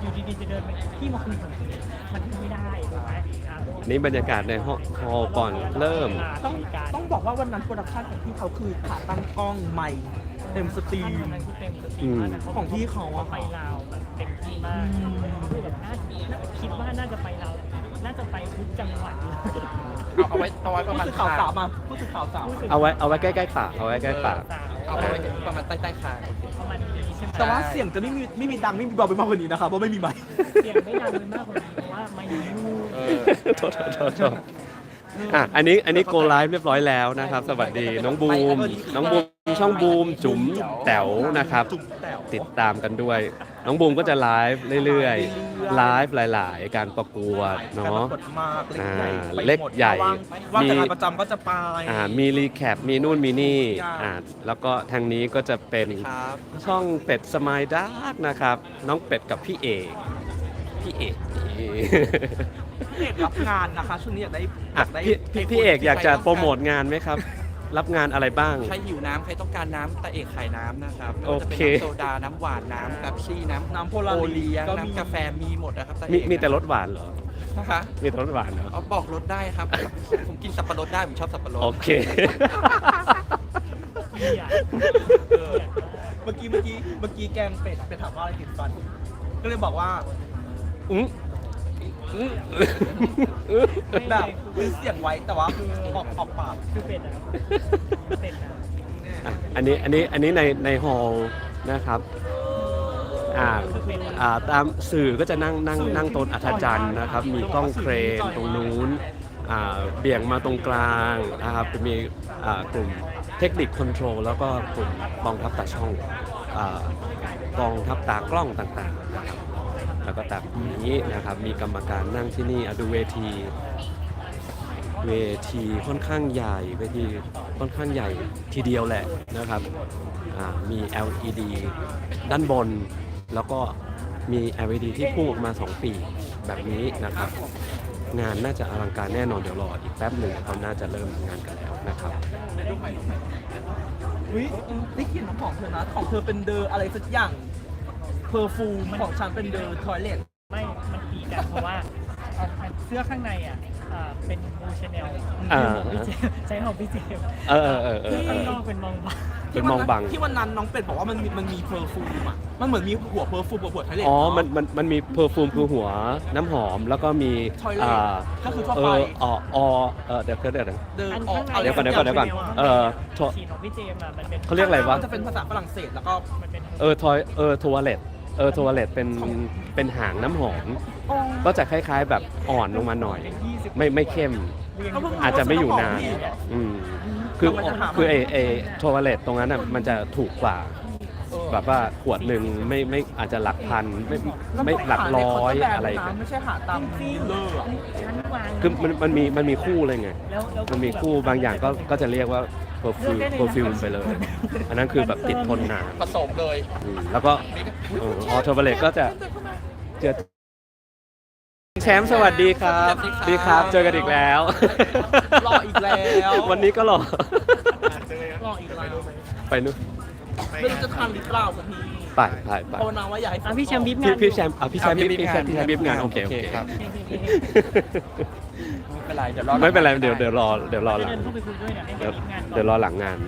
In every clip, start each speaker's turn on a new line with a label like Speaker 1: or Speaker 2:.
Speaker 1: อยู่ดีๆจะเดินไปที่มาคุยกับมันไม่ได้ถูกไหม
Speaker 2: นี่บรรยากาศในฮอลล์ก่อนเริ่ม
Speaker 3: ต้องบอกว่าวันนั้นโปรดักชั่นของพี่เขาคือขาตั้งกล้องใหม่เต็มสตรีม
Speaker 1: เต็มสตรีม
Speaker 3: ของพี่เขาอะ
Speaker 1: ไปลาวแบบเต็มที่มากคือแบบคิดว่าน่าจะไปลาวน่าจะไปทุกจังหวัด
Speaker 4: เอาไว้ประมาณ
Speaker 3: ผู้สื่อข่าวสาวมาผู้สื่อข่าวสาว
Speaker 2: เอาไว้ใกล้ๆปากเอาไว้ใกล้ปาก
Speaker 4: เอาไว้ประมาณใต้คาง
Speaker 1: ประมาณนี้ใช่ไหม
Speaker 3: แต่ว่าเสียงจะไม่มีดังไม่มีเบาไปมากกว่านี้นะครับเพราะไม่มีไมค์
Speaker 1: เสียงไม่ดังเลยมากกว่านี้เพราะว่าไม่ยู
Speaker 2: โทษอันนี้โกไลฟ์เรียบร้อยแล้วนะครับ สวัสดีน้องบูมช่องบูมจุ๋มแต๋วนะครับ ติดตามกันด้วย น้องบูมก็จะไลฟ์เรื่อยๆไลฟ์หลายๆ การประกวดเนาะ เล็กใหญ่
Speaker 3: ว่างจากงานประจำก็จะไป
Speaker 2: มีรีแคปมีนู่นมีนี่
Speaker 3: ทุกอย่าง
Speaker 2: แล้วก็ทางนี้ก็จะเป็น
Speaker 4: ครับ
Speaker 2: ช่องเป็ดสมายดาร์กนะครับ น้องเป็ดกับพี่เอกนี่
Speaker 3: พี่เอกรับงานนะคะช่วงนี้อยากได้
Speaker 2: อ่ะพี่เอกอยากจะโปรโมทงานไหมครับ รับงานอะไรบ้าง
Speaker 4: ใครหิวน้ำใครต้องการน้ำตาเอกขายน้ำนะครับไม่
Speaker 2: โอ
Speaker 4: ว่าจะ
Speaker 2: เค
Speaker 4: เป็นน้ำโซดา น้ำหวาน น้ำแป๊บซี่
Speaker 3: น้ำโพ
Speaker 4: โอ
Speaker 3: ลา
Speaker 4: เลี้ยง
Speaker 3: ก็มี
Speaker 4: น้ำกาแฟมีหมดนะครับตาเอก
Speaker 2: มีแต่รสหวานเหรอ
Speaker 4: นะคะ
Speaker 2: มีแต่รสหวานเหรอ
Speaker 4: เอาบอกรสได้ครับ ผมกินสับปะรดได้ ผมชอบสับปะรด
Speaker 2: โอเค
Speaker 3: เมื่อกี้แกงเป็ดไปถามว่าอะไรติดฟัน ก็เลยบอกว่า
Speaker 2: อืม
Speaker 3: แบบคือเสียงไว้แต่ว่าออกปาก
Speaker 1: คือเป็ดอะเป็ดอะ
Speaker 2: อันนี้ในฮอลล์นะครับตามสื่อก็จะนั่งโต๊ะอัธจันทร์นะครับ มีกล้องเครนตรงนู้นเบี่ยงมาตรงกลางนะครับจะมีกลุ่มเทคนิคคอนโทรลแล้วก็กลุ่มกองทัพตาช่องกองทัพตากล้องต่างๆนะครับแล้วก็ตามนี้นะครับมีกรรมการนั่งที่นี่ดูเวทีค่อนข้างใหญ่เวทีค่อนข้างใหญ่ทีเดียวแหละนะครับมี LED ด้านบนแล้วก็มี LED ที่พุ่งออกมา2 ปีแบบนี้นะครับงานน่าจะอลังการแน่นอนเดี๋ยวรออีกแป๊บหนึ่งเขาน่าจะเริ่มงานกันแล้วนะครับ
Speaker 3: อุ๊ยได้กลินน้ำหอมเธอนะของเธอเป็นเดออะไรสักอย่างเพอร์ฟูมของฉันเป็นเดอทอยเลท
Speaker 1: ไม่ มันตีกันเพราะว่าเสื้อข้างในเป็นบูชาแนลใช้ของพี่เจมส์ข้างนอกเป็นมองบา
Speaker 2: เป็นมองบัง
Speaker 3: ที่วันนั้นน้องเป็ดบอกว่ามันมีเพอร์ฟูมอ่ะมันเหมือนมีหัวเพอร์ฟูมกับหัวทอยเลท
Speaker 2: อ๋อมันมีเพอร์ฟูมคือหัวน้ำหอมแล้วก็มี
Speaker 3: Toilet ก็คือทั่วไป
Speaker 2: เดี๋ยว
Speaker 3: เดอ
Speaker 2: เดี๋ยว
Speaker 1: อันข้างใน
Speaker 2: เดี๋ยวก่อน
Speaker 1: ฉีดของพี่เจมส์มันเป็น
Speaker 2: เขาเรียกอะไรวะ
Speaker 3: มันจะเป็นภาษาฝรั่งเศสแล้วก็
Speaker 1: มันเป็น
Speaker 2: ทัวเลตเป็นหางน้ำหอม
Speaker 3: อ๋อ
Speaker 2: ก็จะคล้ายๆแบบอ่อนลงมาหน่อย ไม่เข้ม อาจจะไม่อยู่นานคือไอทัวเลตตรงนั้นน่ะมันจะถูกกว่าแบบว่าขวดหนึ่งไม่อาจจะหลักพันไม่หลักร้อยอะไรกัน
Speaker 3: ไม่ใช่หาตามที่เลยอะ
Speaker 1: ชั้นวาง
Speaker 2: คือมันมีคู่เลยไง มันมีคู่บางอย่างก็จะเรียกว่าเพอร์ฟิวมไปเลย อันนั้นคือแบบติดทนนาน
Speaker 4: ผสมเลย
Speaker 2: แล้วก็ทัวเลตก็จะเจอแชมป์สวัสดีครับดีครับ เจอกันอีกแล้ว
Speaker 3: รออีกแล้ว
Speaker 2: วันนี้ก็รอ
Speaker 3: รออีกแล้ว
Speaker 2: ไปนู่น
Speaker 3: ไม่รู้จะทันหรือเปล่าสักที
Speaker 2: ไป
Speaker 3: ภาวนาว่าอย่าให้ฝน
Speaker 1: พี่แชมป์บิ๊บ
Speaker 2: พี่แชมป์พี่แชมป์บิ๊บงานโอเค
Speaker 4: ครับไม่เป็นไรเดี๋ยวรอ
Speaker 2: ไม่เป็นไรเดี๋ยวรอหลั
Speaker 1: เดิ
Speaker 2: ง
Speaker 1: นเข้าไปคุยด้วยเนี่ยให้
Speaker 2: เดี๋ยว
Speaker 1: บิ๊บงาน
Speaker 2: เดี๋ยวรอหลังงาน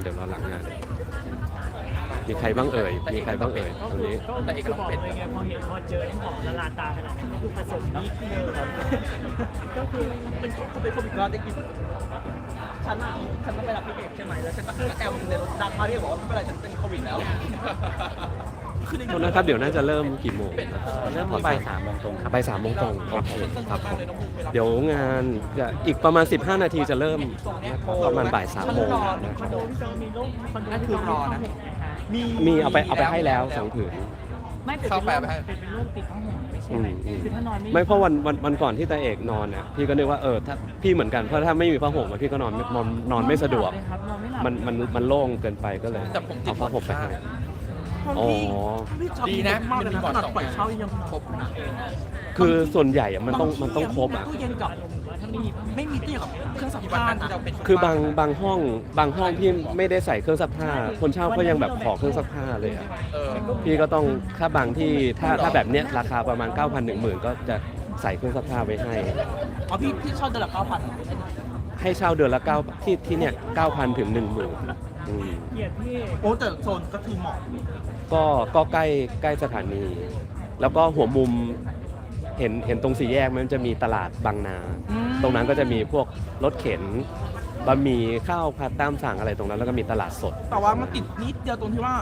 Speaker 2: มีใครบ้างเอ่ยตรงนี้
Speaker 1: ก็คือบอกเลยไงพอเจอน้ำหอมละลานตาขนาดนั้นก็คือผสมนิดเดียวก็คือ
Speaker 3: เป็นโควิดเราได้กินฉันต้องไปรับพี่เอกใช่ไหมแล้วฉันก็แอลในรถดังมาที่บอกว่าไม่เป็นไรฉันเป็นโควิดแล้ว
Speaker 2: คนนะครับเดี๋ยวน่าจะเริ่มกี่โมงเริ่มบ่าย
Speaker 4: 3 โมงตรงครับ
Speaker 2: บ่าย 3 โมงตรงโอเคครับผมเดี๋ยวงานจะอีกประมาณ15 นาทีจะเริ่มประมาณบ่าย 3 โมงนะค
Speaker 1: ค
Speaker 2: รั
Speaker 1: อบ นโดพี่เจอมีรูปคอนโด
Speaker 4: นั่นคือรอนะ
Speaker 2: มีเอาไปให้แล้ว2 ผืน
Speaker 1: ไม่เป็นรูปติดข้างหัวไม่ใช่ไหมคือถ้านอน
Speaker 2: ไม่เพราะวันก่อนที่ตาเอกนอนน่ะพี่ก็นึกว่าถ้าพี่เหมือนกันเพราะถ้าไม่มีผ้าห่มอะพี่ก็นอนไม่สะดวกมันโล่งเกินไปก็เลย
Speaker 4: แต่ผมติด
Speaker 2: เอาผ้าห่มไปให้
Speaker 3: ห้อง
Speaker 2: อ๋อ
Speaker 3: พี่ชอบ
Speaker 4: ดีนะ
Speaker 3: มากเลยนะ
Speaker 4: มันมีบอร์ด
Speaker 3: ขนาด
Speaker 4: สอง
Speaker 3: ปล่อย
Speaker 4: อย่าง
Speaker 3: เช่ายัง
Speaker 4: ครบนะ
Speaker 2: คือส่วนใหญ่อะมันต้องครบอ่ะ
Speaker 3: ตู้เย็นกับไม่มีตู้เย็นกับเครื่องซัก
Speaker 4: ที่วัน
Speaker 3: ผ้า
Speaker 4: นั้นที่
Speaker 3: นะ
Speaker 4: เราเป็น
Speaker 2: คือบางห้องพี่ไม่ได้ใส่เครื่องซักผ้า คนเช่าก็ยังแบบขอเครื่องซักผ้าเลยอะ
Speaker 4: เออ
Speaker 2: พี่ก็ต้องถ้าบางที่ถ้าแบบเนี้ยราคาประมาณ 9,000 10,000 ก็จะใส่เครื่องซักผ้าไว้ให้
Speaker 3: อ๋อพี่ชอบเดือนละ9,000
Speaker 2: ให้เช่าเดือนละ9ที่เนี่ย 9,000 ถึง 10,000อืม
Speaker 1: เกลียดพี่
Speaker 3: โอ้แต่โซนก็คือเหมาะ
Speaker 2: ก็ใกล้สถานี แล้วก็หัวมุมเห็นตรงสี่แยกมันจะมีตลาดบางนา ตรงนั้นก็จะมีพวกรถเข็นบะหมี่ข้าวผัดตามสั่งอะไรตรงนั้นแล้วก็มีตลาดสด
Speaker 3: แต่ว่ามันติดนิดเดียวตรงที่ว่า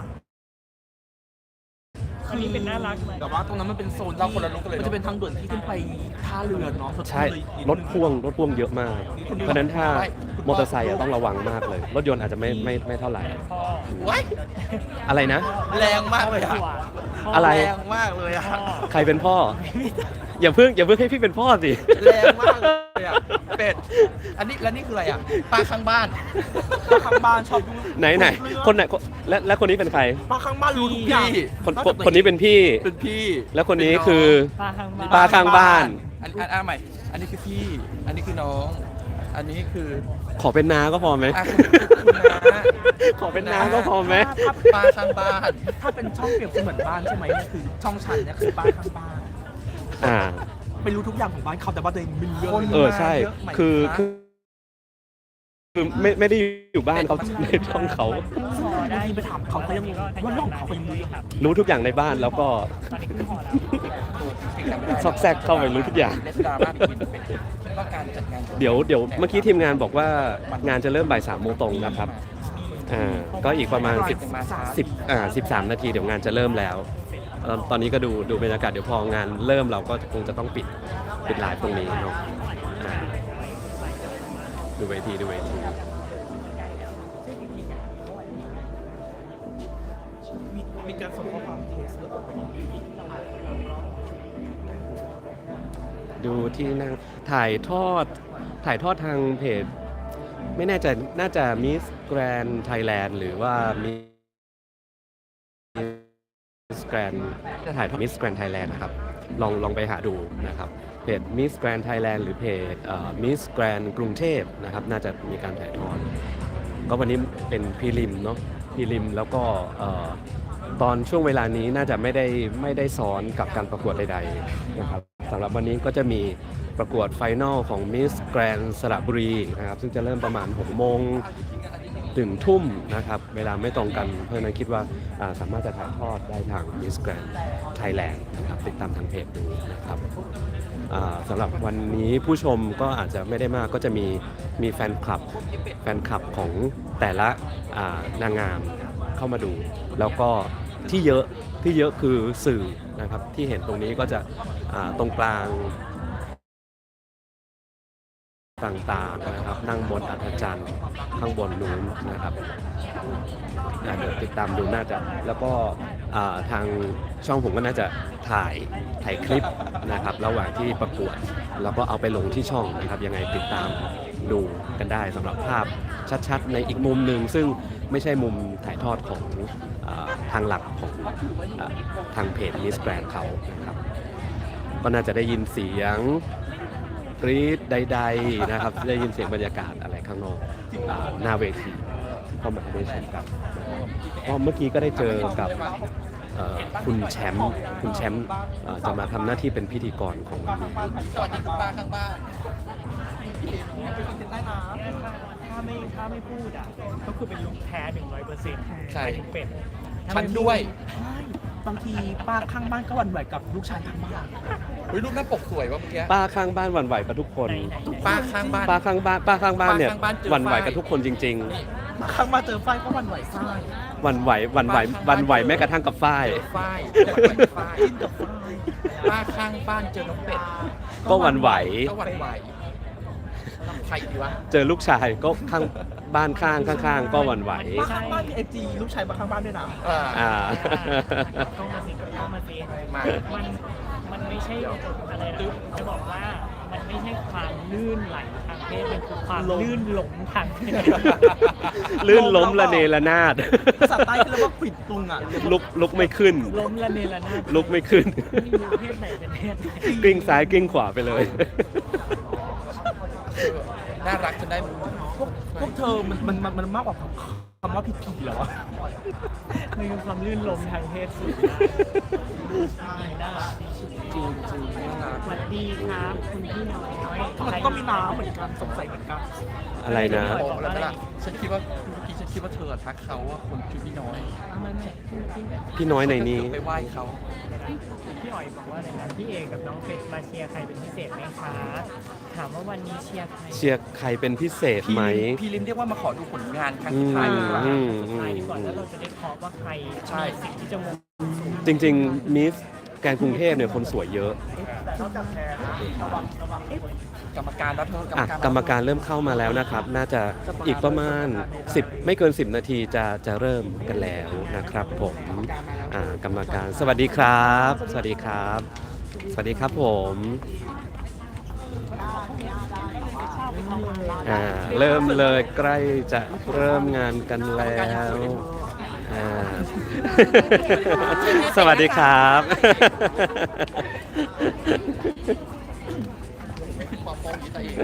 Speaker 1: อันนี้เป็นน่ารักไหม
Speaker 3: แต่ว่าตรงนั้นมันเป็นโซน
Speaker 4: เราคนละลุกกันเลย
Speaker 3: มัน
Speaker 4: เนอะ
Speaker 3: จะเป็นทางด่วนที่ขึ้นไปท่าเรือเนาะ
Speaker 2: ใช่รถพ่วงเยอะมาก เพราะฉะนั้นถ้ามอเตอร์ไซค์อะต้องระวังมากเลย รถยนต์อาจจะไม่เท่าไหร่
Speaker 1: พ่อ
Speaker 4: ว้าย
Speaker 2: อะไรนะ
Speaker 4: แรงมากเลยอะ
Speaker 2: อะไร
Speaker 4: แรงมากเลยอะ
Speaker 1: พ่อ
Speaker 2: ใครเป็นพ่อ อย่าเพิ่งให้พี่เป็นพ่อสิ
Speaker 4: แรงมากเลยอะเป็ดอันนี้แล้วนี่คืออะไรอะป้าข้างบ้าน
Speaker 3: ป้าข้างบ้านชอบดู
Speaker 2: ไหนคนไหนและคนนี้เป็นใคร
Speaker 3: ป้าข้างบ้านรู้ทุกอย่าง
Speaker 2: คนนี้เป็นพี่
Speaker 4: เป็นพี่
Speaker 2: แล้วคนนี้คือ
Speaker 1: ป้าข้างบ้าน
Speaker 2: ป้าข้างบ้าน
Speaker 4: อันใหม่ อันนี้คือพี่ อันนี้คือน้อง อันนี้คือ
Speaker 2: ขอเป็นน้าก็พอไหม
Speaker 4: อ่ะคุณน้า
Speaker 2: ขอเป็นน้าก็พอไหม
Speaker 4: ป้าข้างบ้าน
Speaker 3: ถ้าเป็นช่องเปรียบเสมือนบ้านใช่ไหมเนี่ยคือช่องฉันเนี่ยคือป้าข้างบ้าน
Speaker 2: อ่า
Speaker 3: ไม่รู้ทุกอย่างของบ้านเขาแต่ว่าตัวเองไม่รู้เรื่อง
Speaker 2: เออใช่คือไม่ได้อยู่บ้านเขาในช่องเขา
Speaker 3: บางทีไปถามเขาเขายังงงว่าน้องเขายังรู้อยู่
Speaker 2: รู้ทุกอย่างในบ้านแล้วก็
Speaker 1: ตอนนี้ขึ้นพอแล้ว
Speaker 2: ซอกแซกเข้าไปรู้ทุกอย่าง
Speaker 4: เลสดราม่าเป็นว่าการจัดงาน
Speaker 2: เดี๋ยวเมื่อกี้ทีมงานบอกว่างานจะเริ่มบ่าย 3 โมงตรงนะครับก็อีกประมาณ13 นาทีเดี๋ยวงานจะเริ่มแล้วตอนนี้ก็ดูบรรยากาศเดี๋ยวพองานเริ่มเราก็คงจะต้องปิดไลฟ์ตรงนี้เนาะดูเวที
Speaker 3: มีการส่งข้อความเทสหรือเปล่า
Speaker 2: ดูที่นั่งถ่ายทอดทางเพจ ไม่แน่ใจน่าจะ Miss Grand Thailand หรือว่า Miss Grand จะถ่ายทอด Miss Grand Thailand นะครับลองไปหาดูนะครับเพจ Miss Grand Thailand หรือเพจMiss Grand กรุงเทพนะครับน่าจะมีการถ่ายทอดก็วันนี้เป็นพรีลิมเนาะพรีลิมแล้วก็ตอนช่วงเวลานี้น่าจะไม่ได้ซ้อนกับการประกวดใดๆนะครับสำหรับวันนี้ก็จะมีประกวดไฟนอลของ Miss Grand สระบุรีนะครับซึ่งจะเริ่มประมาณ 6 โมงถึงทุ่มนะครับเวลาไม่ตรงกันเพราะฉะนั้นคิดว่าสามารถจะถ่ายทอดได้ทาง Miss Grand Thailand นะครับติดตามทางเพจดูนะครับสำหรับวันนี้ผู้ชมก็อาจจะไม่ได้มากก็จะมีแฟนคลับของแต่ละนางงามเข้ามาดู แล้วก็ที่เยอะคือสื่อนะครับที่เห็นตรงนี้ก็จะตรงกลางต่างๆนะครับนั่งบนอัฐจันทร์ข้างบนนู้นนะครับเดี๋ยวติดตามดูน่าจะแล้วก็ทางช่องผมก็น่าจะถ่ายคลิปนะครับระหว่างที่ประกวดแล้วก็เอาไปลงที่ช่องนะครับยังไงติดตามดูกันได้สำหรับภาพชัดๆในอีกมุมหนึ่งซึ่งไม่ใช่มุมถ่ายทอดของทางหลักของทางเพจ Miss Grand เขานะครับก็น่าจะได้ยินเสียงกรี๊ดใดๆนะครับได้ยินเสียงบรรยากาศอะไรข้างนอกหน้าเวทีเข้ามาได้ชมกันเพราะเมื่อกี้ก็ได้เจอกับคุณแชมป์จะมาทำหน้าที่เป็นพิธีกรของวันนี้
Speaker 4: สวัสดีคุณป้าข้างบ้าน
Speaker 1: ถ้าไม่พูดอ่ะก็คือเป็นลุคแท้ 100%
Speaker 4: ใช่
Speaker 1: ถึงเป็ด
Speaker 4: ฉันด้วย
Speaker 3: บางทีป้าข้างบ้านก็หวั่นไหวกับลูกชายข้างบ้าน
Speaker 4: เฮ้ยรูปหน้าปกสวยว่ะเมื่อกี้
Speaker 2: ป้าข้างบ้านหวั่นไหวกับทุกคน
Speaker 4: ป้าข้างบ้าน
Speaker 2: ป้าข้างบ้านเนี่ย
Speaker 4: ป้าข้างบ้านเจอ
Speaker 2: หวั่นไหว
Speaker 4: ฝ้าย
Speaker 2: กับทุกคนจริง
Speaker 3: ป้าข้างบ้านเจอฝ้ายก็หวั่นไหวฝ้าย
Speaker 2: ๆหวั่นไหวแม้กระทั่งกับฝ้าย
Speaker 4: เจอฝ้ายฝ้าย
Speaker 3: กินกับฝ้าย
Speaker 4: ป้าข้างบ้านเจอน้องเป็ด
Speaker 2: ก็หวั่นไหว
Speaker 4: ก็หวั่นไหวใครดีวะ
Speaker 2: เจอลูกชายก็ข้างบ้านข้างก็หวั่นไหว
Speaker 3: ป้าข้างบ้านมีFGลูกชายป้าข้างบ้านด้วยนะ
Speaker 2: อ่า
Speaker 1: เข้ามาสิ
Speaker 4: มา
Speaker 1: มันไม่ใช่อะไรนะจะบอกว่ามันไม่ใช่ความลื่นไหลทางเพศมันคือความลื่นหลงทางเพศ
Speaker 2: ลื่นล้มละเนระนาด
Speaker 3: ภาษาใต้คือเรียกว่าขวิดตุงอ่ะ
Speaker 2: ลุกไม่ขึ้น
Speaker 1: ล้มละเนระนาด
Speaker 2: ลุกไม่ขึ้น
Speaker 1: ไม่รู้เพศไหนเป็นเพศไหน
Speaker 2: กลิ้งซ้ายกลิ้งขวาไปเลย
Speaker 4: น่ารักจนได้
Speaker 3: พวกเธอมันมากกว่าคำว่าผิดผีเหรอ
Speaker 1: มันคือความลื่นล้มทางเพศสูงน่ารักดี
Speaker 3: จริงจริงน่ารัก
Speaker 1: สวัสดีครับคุณพี่น้อย
Speaker 3: มันก็มีน้ำเหมือนกันสงสัยเหมือนกัน
Speaker 2: อะไรนะ
Speaker 4: โอ้แล้วล่ะฉันคิดว่าเมื่อกี้ฉันคิดว่าเธอทักเขาว่าคนชื่อพี่น้อย
Speaker 1: มันเนี่ย
Speaker 2: พี่น้อยในนี้
Speaker 4: ไปไหว้เขา
Speaker 1: พี่อ๋อยบอกว่าอะไรนะพี่เอกกับน้องเป็ดมาเชียร์ใครเป็นพิเศษไหมคะถามว่าวันนี้เชียร์ใคร
Speaker 2: เชียร์ใครเป็นพิเศษไหม
Speaker 4: พี่ลิมเรียกว่ามาขอดูผลงานครั้งสุดท้ายดีกว่า
Speaker 1: สุดท้ายดีกว่าแล้วเราจะได้เคาะว่าใคร
Speaker 4: ใช่
Speaker 1: มีสิ่งที่จะมง
Speaker 2: จริงๆมิสแกรนด์กรุงเทพเนี่ยคนสวยเยอะ
Speaker 4: กรรมการแล้วเธอกรรม
Speaker 2: อ่ะ
Speaker 4: การ
Speaker 2: กรรมการเริ่มเข้ามาแล้วนะครับ น่าจะอีกประมาณ10ไม่เกิน10 นาทีจะเริ่มกันแล้วนะครับผมกรรมการสวัสดีครับ สวัสดีครับ สวัสดีครับผมเริ่มเลยใกล้จะเริ่มงานกันแล้วสวัสดีครับ
Speaker 4: ความโปร่งใสเอง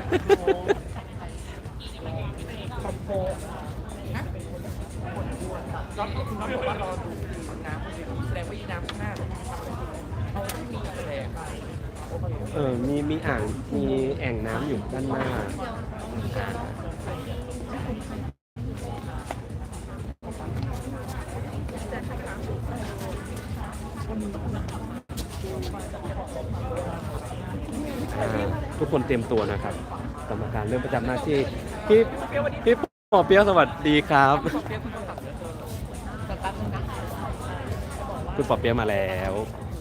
Speaker 4: ก็คุณน้องบอกว่ารอดูน้ำแสดงว่าอีน้ำข้างหน้าเขาไม่มีแสดง
Speaker 2: มีอ่างมีแอ่งน้ำอยู่ด้านหน้าทุกคนเตรียมตัวนะครับกรรมการเริ่มประจำหน้าที่พี่ปอเปี๊ยะสวัสดีครับคุณปอเปี๊ยะมาแล้ว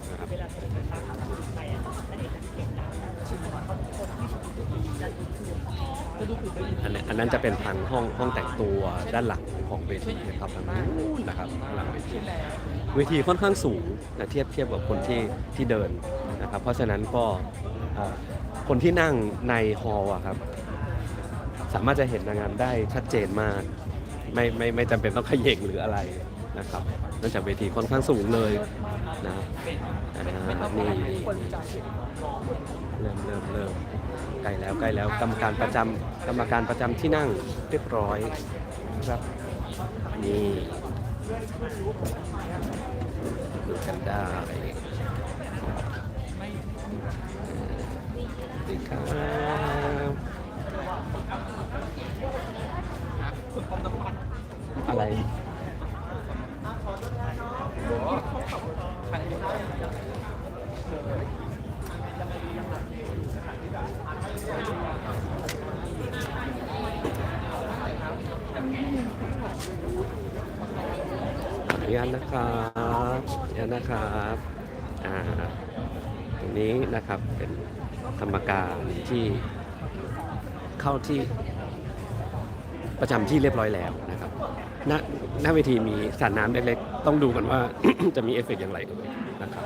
Speaker 2: อันนั้นจะเป็นทางห้องแต่งตัวด้านหลังของเวทีนะครับทางนู้นนะครับหลังเวทีค่อนข้างสูงนะเทียบกับคนที่เดินนะครับเพราะฉะนั้นก็คนที่นั่งในฮอลล์ครับสามารถจะเห็นนางงามได้ชัดเจนมากไม่จำเป็นต้องเขย่งหรืออะไรนะครับเนื่องจากเวทีค่อนข้างสูงเลยนะนี่เริ่มใกล้แล้วกรรมการประจำที่นั่งเรียบร้อยครับนี่ดูกันได้ดีครับอะไรขออนุญาตนะครับตรงนี้นะครับเป็นกรรมการที่เข้าที่ประจำที่เรียบร้อยแล้วนะครับหน้าเวทีมีสระน้ำเล็กๆต้องดูกันว่า จะมีเอฟเฟกต์อย่างไรด้วยนะครับ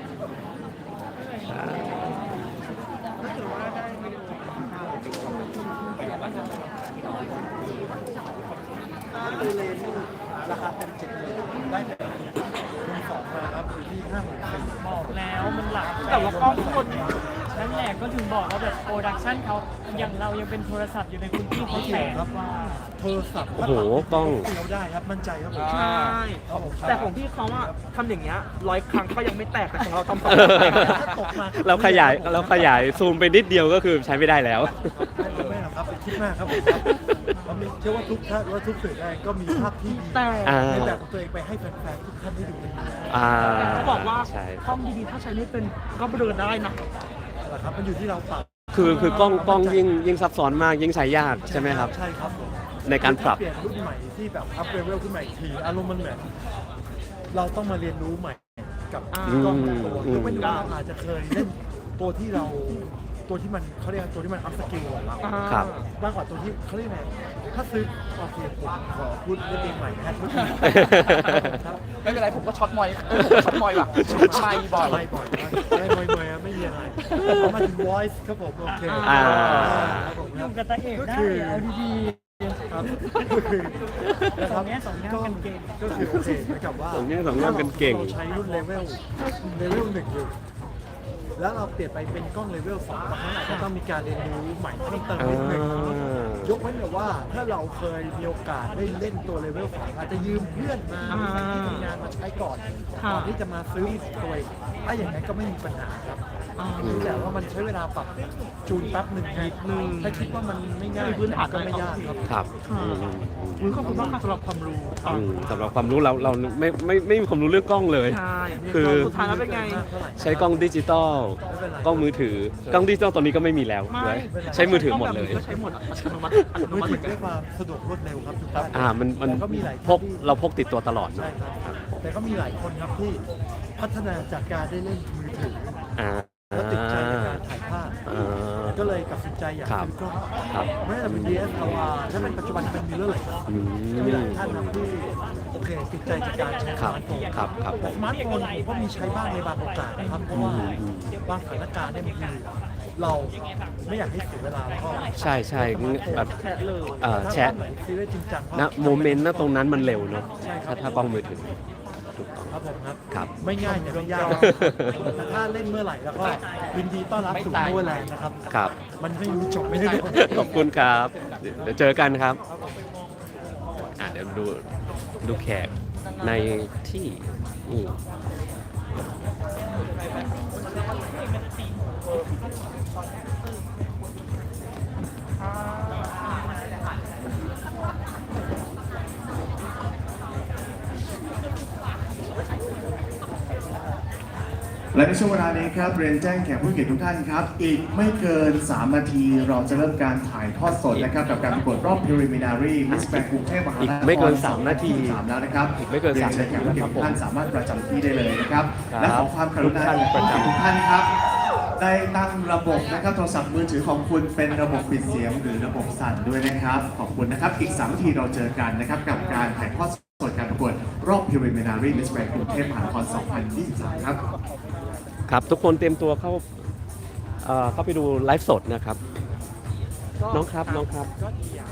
Speaker 3: ราคาเป็น70,000ได้แต่คุณสองมาครับอยู่ที่50,000
Speaker 1: บอกแล้วมันหลัก
Speaker 3: แต่ว่ากล้องคน
Speaker 1: นั่นแหละก็ถึงบอกว่าแบบโปรดักชั่นเขาอย่างเรายังเป็นโทรศัพท์อยู่ในคุณพี่เขาแสนกว่า
Speaker 3: โทรศัพท์
Speaker 2: โอ้โหกล้อง
Speaker 3: เราได้ครับมั่นใจครับผม
Speaker 4: ใช่
Speaker 3: แต่ของพี่เขาอะทำอย่างเงี้ย100 ครั้งก็ยังไม่แตกแต่ของเราทำ200 ตกมา
Speaker 2: เราขยายซูมไปนิดเดียวก็คือใช้ไม่ได้แล้ว
Speaker 3: ไม่หรอกครับเป็นคิดมากครับผมครับเชื่อว่าทุกท่านว่าทุกสื่อได้ก็มีภาพที่ดีในแบบของตัวเองไปให้แฟนๆทุกท่านได้ดูกัน เขาบอกว่า
Speaker 2: ใช่
Speaker 3: กล้องดีๆถ้าใช้ไม่เป็นก็เบลอได้นะนะครับมันอยู่ที่เราปรับ
Speaker 2: คือกล้องยิ่งซับซ้อนมากยิ่งใช้ยากใช่ไหมครับ
Speaker 3: ใช่ครับผม
Speaker 2: ในการปรับ
Speaker 3: เปลี่ยนรุ่นใหม่ที่แบบอัพเลเวลขึ้นมาอีกทีอารมณ์มันเหมือนเราต้องมาเรียนรู้ใหม่กับกล้องแต่ละตัวยกเว้นว่าเราอาจจะเคยเล่นตัวที่มันเขาเรียกตัวที่มันอัพสกิลของเรา
Speaker 2: ครับ
Speaker 3: มากกว่าตัวที่เขาเรียกไงถ้าซื้อโอเคผมขอพูดเรื่องเองใหม่นะทุกทีครับ
Speaker 4: ไม่เป็นไรผมก็ช็อตมอยช็อตมอยว่ะไม่บ่อย
Speaker 3: ไม่บ่อยไม่บ่อยไม่มีอะไรเอามาถึง voice ครับผมโอเค ครับผม
Speaker 1: อยู่กับตาเอกได้เอาดี
Speaker 3: ครับก็คือนะค
Speaker 1: ส
Speaker 3: รั
Speaker 1: อบ งแง่สองงามกันเก่ง
Speaker 3: ก็คือโอเคเหมือนกับว่า
Speaker 2: สองแง่สองงามกันเก่ง
Speaker 3: เราใช้รุ่นเลเวลหนึ่งอยู่แล้วเราเปลี่ยนไปเป็นกล้องเลเวล2บางครั้งอาจจะต้องมีการเรียนรู้ใหม่เพิ่มเติมนิดนึงยกเว้นแต่ว่าถ้าเราเคยมีโอกาสได้เล่นตัวเลเวล2อาจจะยืมเพื่อนมาที่ทำงานมาใช้ก่อนที่จะมาซื้อตัวเองถ้าอย่างนั้นก็ไม่มีปัญหาครับแต่ว่ามันใช้เวลาปรับจูนแป๊บหนึ่งนิดนึงถ้าคิดว่ามันไม่ง่ายพื้นฐานก็ไม่ยากครับ
Speaker 2: ครับ
Speaker 4: ขอบคุณมากค่ะสำหรับความรู้
Speaker 2: สำหรับความรู้เราไม่มีความรู้เรื่องกล้องเลย
Speaker 4: ใช่
Speaker 2: คือ
Speaker 4: สุดท้ายแล้วเป็นไง
Speaker 2: ใช้กล้องดิจิตอลกล้องมือถือกล้องดิจิตอลตอนนี้ก็ไม่มีแล้วด้วยใช้มือถือหมดเลย
Speaker 4: ก็ใช้หมดอัตโนมัติอัตโน
Speaker 3: มือ
Speaker 4: มัติ
Speaker 3: ถือด้วยความสะดวกรวดเร็วครับทุกท่าน
Speaker 2: มัน
Speaker 3: แต่ก็มีหลาย
Speaker 2: พกเราพกติดตัวตลอด
Speaker 3: ใช่
Speaker 2: เนาะ
Speaker 3: ครับแต่ก็มีหลายคนครับที่พัฒนาจากการได้เล่นมือถือ
Speaker 2: อ่า
Speaker 3: แล้วติดใจในการถ่ายภาพ ก็เลยตัดสินใจอยากซื้อกล้อง
Speaker 2: ครับ
Speaker 3: ไม่ว่าจะเป็น DSLR ถ้าเป็นปัจจุบันเป็น mirrorless
Speaker 2: อืม
Speaker 3: มีหลายท่านครับที่โอเคติดใจจากการใช้ส
Speaker 2: ครับ
Speaker 3: มาร์ทโฟน
Speaker 2: ครับครับผม
Speaker 3: สมาร์ทโฟนผมก็มีใช้บ้างในบางโอกาสนะครับเพราะว่าบางสถานการณ์เนี่ยบางทีเราไม่อยากให้เสียเวลาแล้วก็
Speaker 2: ใช่ใช่แบบ
Speaker 4: แชทเลย
Speaker 2: แชท
Speaker 3: ซีรีส์จริงจัง
Speaker 2: นะโมเมนต์นะตรงนั้นมันเร็วเนาะถ้ากล้องมือถือถูกต้อง
Speaker 3: ครับผมครับ
Speaker 2: ครับ
Speaker 3: ไม่ง่ายแต่ไม่ยากแต่ถ้าเล่นเมื่อไหร่แล้วก็ยินดีต้อนรับสู่โมแลนด์นะครับ
Speaker 2: ครับ
Speaker 3: มันไม่รู้จบไม่ได้รู้
Speaker 2: ขอบคุณครับ เดี๋ยวเจอกันครับเดี๋ยวดูแขกในที่นี่
Speaker 5: และในช่วงเวลานี้ครับเรียนแจ้งแขกผู้เกียรติทุกท่านครับ อีกไม่เกิน 3 นาทีเราจะเริ่มการถ่ายทอดสดนะครับกับการประกวดรอบ preliminary Miss Grand กรุงเทพมหานคร
Speaker 2: อีกไม่เกิน3นาที
Speaker 5: 3แล้วนะครับ
Speaker 2: อีกไม่เกิน3
Speaker 5: รียเชิญแขกผู้เกียรติทุกท่านสามารถประจำที่ได้เลยนะครับ
Speaker 2: ครับ
Speaker 5: และขอความกรุณา
Speaker 2: ทุกท่านประจำ
Speaker 5: ทุกท่านครับ ได้ตั้งระบบนะครับโทรศัพท์มือถือของคุณเป็นระบบปิดเสียงหรือระบบสั่นด้วยนะครับ ขอบคุณนะครับอีก3นาทีเราเจอกันนะครับกับการถ่ายทอดสดการประกวดรอบ preliminary Miss Grand กรุงเทพมหานคร 2023 ครับ
Speaker 2: ครับทุกคนเตรียมตัวเข้าไปดูไลฟ์สดนะครับ น้องครับ
Speaker 4: ก็ดีอย่าง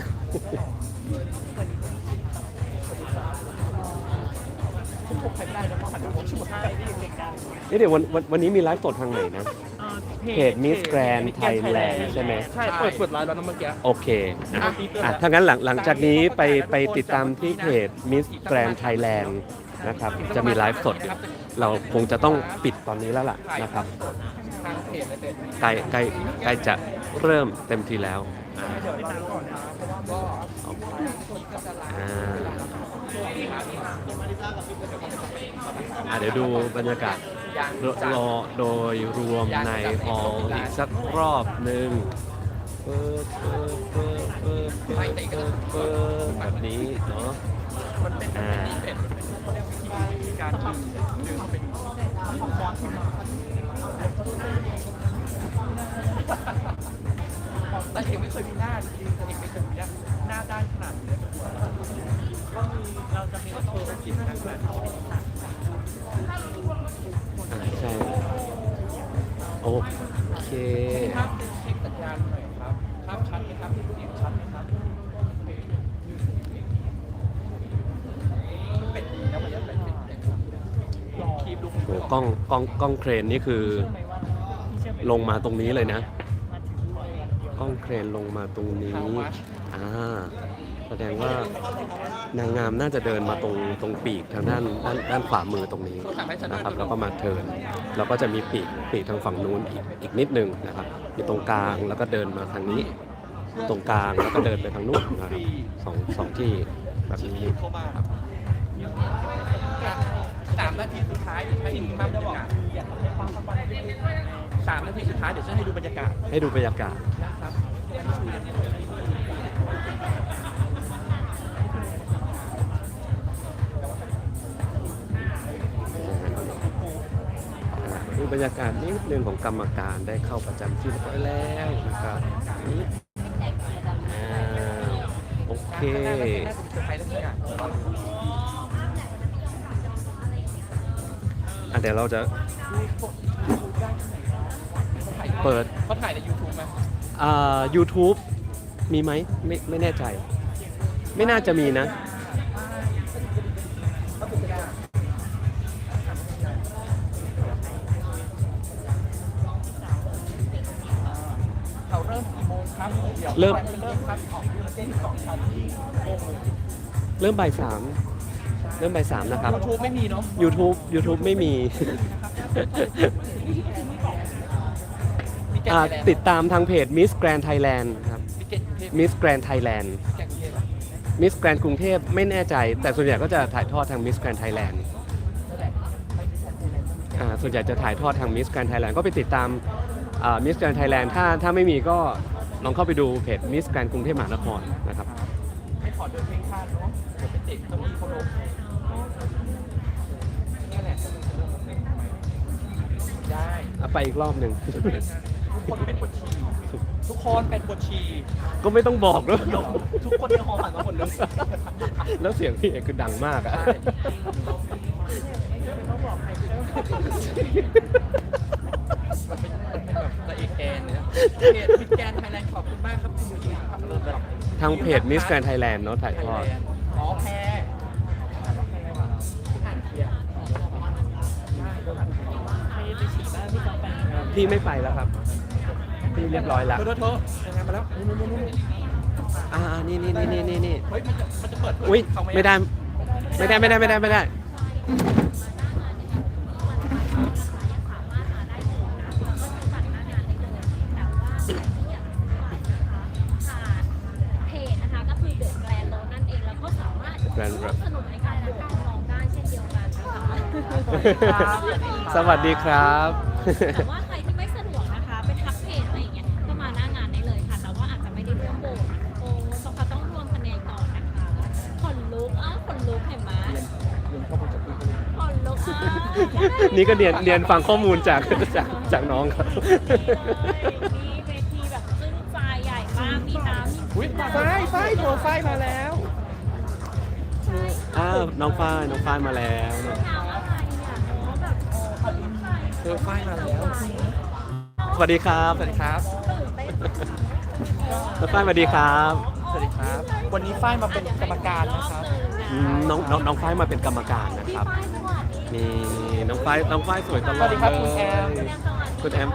Speaker 4: ผมพกใครไม่ได้นะเพราะหันไปมองชุดไทยที่เด็กกัน
Speaker 2: เดี๋ยววันนี้มีไลฟ์สดทางไหนนะ เพจ Miss Grand Thailand ใช่ไหม
Speaker 4: ใช่เปิดไลน์แล้วนะเมื่อกี้
Speaker 2: โอเคถ้างั้นหลังจากนี้ไปติดตามที่เพจ Miss Grand Thailand นะครับจะมีไลฟ์สดอยู่เราคงจะต้องปิดตอนนี้แล้วล่ะนะครับ
Speaker 4: ทางเพจเลยเป็น
Speaker 2: ใกล้จะเริ่มเต็มทีแล้วเดี๋ยวดูบรรยากาศรอโดยรวมในฮอลล์อีกสักรอบหนึ่งแบบนี้เนาะ
Speaker 4: มันเป็นเป็นการดึงเป็นฟอนต์ขึ้นมาแต่เอกไม่เคยมีหน้าจริงๆเอกไม่เคยมีหน้าด้านขนาดนี้เลยก็มีเราจะมีโชว์กินนะแบบ
Speaker 2: ใช่โอเค
Speaker 4: ภาพเช็คสัญญาณหน่อยครับภาพชัดไหมครับเสียงชัดไหมครับเป็นแล้วมันจะเป็นคีบลูก
Speaker 2: โหกล้องเครนนี่คือลงมาตรงนี้เลยนะกล้องเครนลงมาตรงนี้แสดงว่านางงามน่าจะเดินมาตรงปีกทางด้านขวามือตรงนี้นะครับแล้วก็มาเทิร์นแล้วก็จะมีปีกทางฝั่งนู้นอีกนิดนึงนะครับอยู่ตรงกลางแล้วก็เดินมาทางนี้ ตรงกลางแล้วก็เดินไปทางนู้นนะครับสองที่แบบนี้ครับ
Speaker 4: 3 นาทีสุดท้ายเดี๋ยวให้ดูภาพบรรยากาศ3 นาทีสุดท้ายเดี๋ยวจะให้ดูบรรยากาศ
Speaker 2: ให้ดูบรรยากาศ
Speaker 4: นะครับ
Speaker 2: ดูบรรยากาศนิดนึงของกรรมการได้เข้าประจำที่เรียบร้อยแล้วนะครับนี่โอเค
Speaker 4: น่าจะมีเซอร์ไพรส์แล้วทุกอย่าง
Speaker 2: เดี๋ยวเราจะเปิด
Speaker 4: เขาถ่ายใน YouTube ไหม
Speaker 2: YouTube มีไหมไม่แน่ใจ ไม่น่าจะมีนะ
Speaker 4: เขาเริ่มกี่โมงครับเดี๋ยว
Speaker 2: เริ่ม
Speaker 4: เริ่มครับของเต้น2 ชั้นที่โอ้โห
Speaker 2: เริ่มบ่าย 3นะครับ
Speaker 4: YouTube ไม่มีเนาะ
Speaker 2: YouTube ไม่มี
Speaker 4: มีแกง
Speaker 2: ติดตามทางเพจ Miss Grand Thailand ครับ
Speaker 4: มีแกงเทพ
Speaker 2: Miss Grand Thailand
Speaker 4: แกงเทพ
Speaker 2: Miss Grand กรุงเทพไม่แน่ใจ แต่ส่วนใหญ่ก็จะถ่ายทอดทาง Miss Grand Thailand ส่วนใหญ่จะถ่ายทอดทาง Miss Grand Thailand ก็ไปติดตามMiss Grand Thailand ถ้าไม่มีก็ลองเข้าไปดูเพจ Miss Grand กรุงเทพมหานครนะครับ
Speaker 4: ไม่ขอเดินเพลงคาดเนาะเดี๋ยวไปเตะเก้าอี้เขาลงนี่แหละได้
Speaker 2: ไปอีกรอบหนึ่ง
Speaker 4: ทุกคนเป็นบทชีทุกคนเป็นบทชี
Speaker 2: ก็ไม่ต้องบอกด้วย
Speaker 4: ทุกคนในหอผ่านมาหมดเลย
Speaker 2: แล้วเสียงพี่เอกคือดังมากอะ
Speaker 4: มันเป็นแบบละเอกแกนเนี่ยเพจมิสแกนไทยแลนด์ขอบคุณมากครับคุณยูทูบครับเริ่มแบบ
Speaker 2: ทางเพจ Miss Grand Thailand เนาะถ่ายทอด
Speaker 4: อ๋อแพรอ่านเทียร์
Speaker 1: ไม่ไปฉี่บ้านพี่จอมไป
Speaker 2: พี่ไม่ไปแล้วครับ พี่เรียบร้อยแล้ว
Speaker 4: เธอทำงานมาแล้วนู่น
Speaker 2: นี่
Speaker 4: เฮ้ยมันจะเปิดเผ
Speaker 2: อุ้ย
Speaker 4: เขาไหม
Speaker 2: ไม่ได้
Speaker 6: เพจนะคะก็คือเดอะแกรนด์โรนั่นเองแล้วก็สามารถร่วมสนุกในการรับการร้องได้เช่นเดียวกันนะคะ
Speaker 2: สวัสดีครับ
Speaker 6: แต่ว่าใครที่ไม่สะดวกนะคะไปทักเพจอะไรอย่างเงี้ยก็มาหน้างานได้เลยค่ะแต่ว่าอาจจะไม่ได้ร่วมโหวตโอ้ต้องรวมคะแนนก่อนนะคะขนลุกขนลุกเห็นไหมขนลุก
Speaker 2: นี่ก็เรียนฟังข้อมูลจากน้องครับ
Speaker 6: มีเวทีแบบซึ้งใจใหญ่มากมีน้ำ
Speaker 4: อุ้ยฝ้ายตัวฝ้ายมาแล้ว
Speaker 2: น้องฝ้ายมาแล้ว
Speaker 4: เธอฝ้ายมาแล้ว
Speaker 2: สวัสดีครับ
Speaker 4: สวัสดีครับ
Speaker 2: น้องฝ้ายสวัสดีครับ
Speaker 4: สวัสดีครับ วันนี้ฝ้ายมาเป็นกรรมการนะครับ
Speaker 2: น้องฝ้ายมาเป็นกรรมการนะครับ นี่น้องฝ้ายสวยตลอด
Speaker 4: สวัสดีครับ
Speaker 2: เลย
Speaker 4: คุณแอม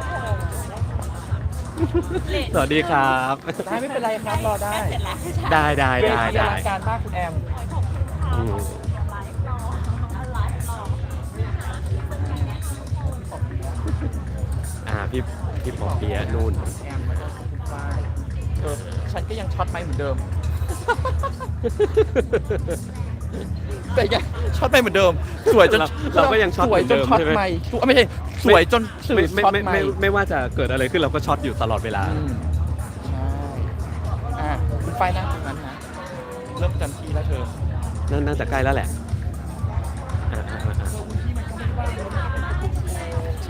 Speaker 2: สวัสดีครับ
Speaker 4: ได้ไม่เป็นไรครับรอได้
Speaker 2: ได้
Speaker 4: เวทีอลังการมากคุณแอม
Speaker 2: อืมพี่ปอเปียะนู่น
Speaker 4: แอมแล้วก็คุณฝ้ายฉันก็ยังช็อตไม้เหมือนเดิม แต่ยังช็อตไม้เหมือนเดิม สวยจน
Speaker 2: เราก็ยังช็อต
Speaker 4: สวยจน
Speaker 2: เหมือนเดิม
Speaker 4: ช็อต
Speaker 2: ใช่ไหม
Speaker 4: ไม้ไม่ใช่สวยจนสื่อ
Speaker 2: ไม่
Speaker 4: ช็อต
Speaker 2: ไม่
Speaker 4: ไม้
Speaker 2: ไม่ว่าจะเกิดอะไรขึ้นเราก็ช็อตอยู่ตลอดเวลา
Speaker 4: ใช่คุณฝ้ายนั่งตรงนั้นนะเริ่มจำทีแล้วเธอ
Speaker 2: น่าจะใกล้แล้วแหละใช่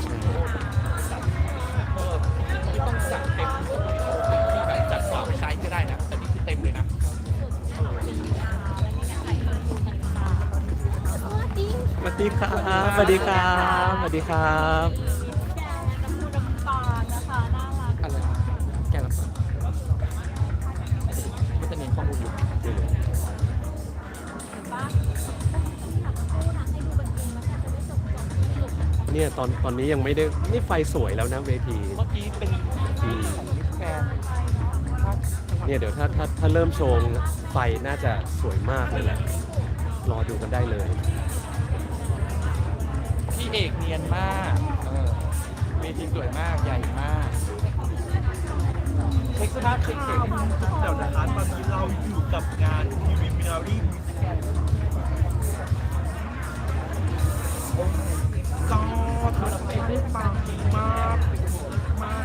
Speaker 4: ไม่ต้องจัดเต็มที่แบบจัดสาวไปใช้ก็ได้นะแต่นี่คือเต็มเลยนะ
Speaker 2: สวัสดีครับสวัสดีครับสวัสดีครับ
Speaker 4: อะไรแกละคนก็จะเน้นข้อมูลอยู่
Speaker 2: เนี่ยตอนนี้ยังไม่ได้นี่ไฟสวยแล้วนะเวที
Speaker 4: เมื่อกี้เป็นของมิสแกน
Speaker 2: เนี่ยเดี๋ยวถ้าเริ่มโชว์ไฟน่าจะสวยมากเลยแหละรอดูกันได้เลย
Speaker 4: พี่เอกเนียนมากเวทีสวยมากใหญ่มากเช็คสภาพเช็ค
Speaker 3: เดี๋ยวนะคะตอนนี้เราอยู่กับงาน Preliminary Miss Grand ก็เธอเต้นได้ปังดีมากมาก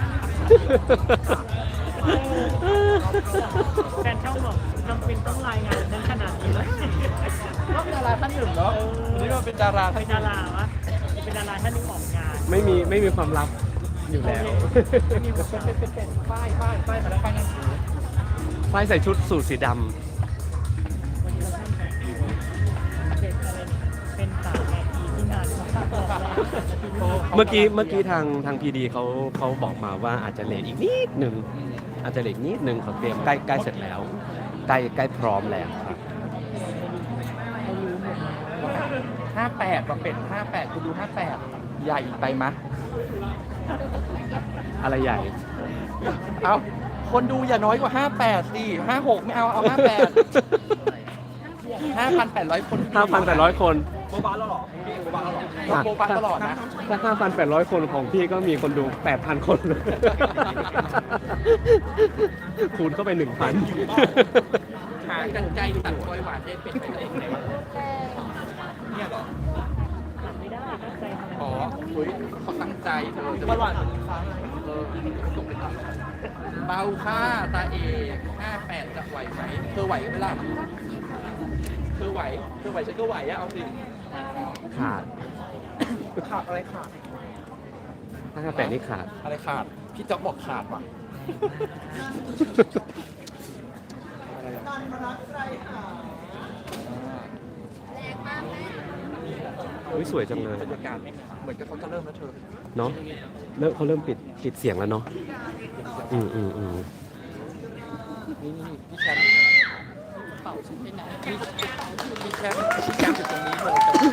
Speaker 1: แฟนช่องบอกจำเป็นต้องรายงานนั้นขนาดนี้เลย
Speaker 4: ก็เป็นดาราท่านหนึ่งเนาะวันนี้เราเป็นดาราท่า
Speaker 1: เป็น นดาราวะเป็นดาราท่านหนึงออกงาน
Speaker 2: ไม่มีความลับอยู่แล้ว
Speaker 4: มีแบบเป็นป้ายมาแล้วป้ายนั่นคือ
Speaker 2: ไฟใส่ชุดสูทสีด
Speaker 1: วันนี้เราท่านแบบเป็นอะไรเนี่ยเป็นสาวแอร์ทีที่งานเขาตั้งแต่แรก
Speaker 2: เมื่อกี้ทางพีดีเขาบอกมาว่าอาจจะเลทอีกนิดหนึ่งอาจจะเลทนิดหนึ่งเขาเตรียมใกล้เสร็จแล้วใกล้พร้อมแล้วครับ
Speaker 4: 58มาเป็น58คุณดู58ใหญ่ไปมะ
Speaker 2: อะไรใหญ่
Speaker 4: เอาคนดูอย่าน้อยกว่า58สิ56ไม่เอา58 5,800 คน
Speaker 2: 5,800 คน
Speaker 4: โบบาแล้วหรอโบบาแล้วหรอโบบาตลอดนะ
Speaker 2: ถ้า 5,800 คนของพี่ก็มีคนดู 8,000 คน คูณเข้าไป 1,000
Speaker 4: หากันไกลตัดกล้วยหวานได้เป็นไปได้ไหนวะเนี่ยเหรออ๋อเฮ้ยเขาตั้งใจเธอจะหวานส่งไปทำเบาค่าตาเอก58จะไหวไหมเธอไหวไหมล่ะเธอไหวฉันก็ไหวอะเอาสิ
Speaker 2: ขาด
Speaker 4: ขาดอะไรขาด
Speaker 2: 58นี่ขาด
Speaker 4: อะไรขาด พี่จ๊อกบอกขาดว่ะ
Speaker 2: อุ๊ยสวยจังเลย
Speaker 4: บรรยากาศเหมือนกับเขาจะเริ่มแล้วเธอ
Speaker 2: เนาะเขาเริ่มปิดเสียงแล้วเนาะอืม
Speaker 4: นี่พี่แชมป์เป่าชิ้นไปไหนพี่แชมป์อยู่ตรงนี้เลย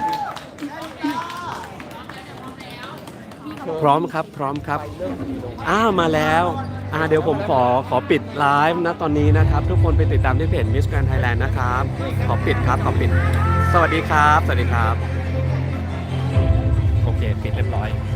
Speaker 2: พร้อมครับมาแล้วเดี๋ยวผมขอปิดไลฟ์นะตอนนี้นะครับ ทุกคนไปติดตามที่เพจ Miss Grand Thailand นะครับขอปิดสวัสดีครับโอเคปิดเรียบร้อย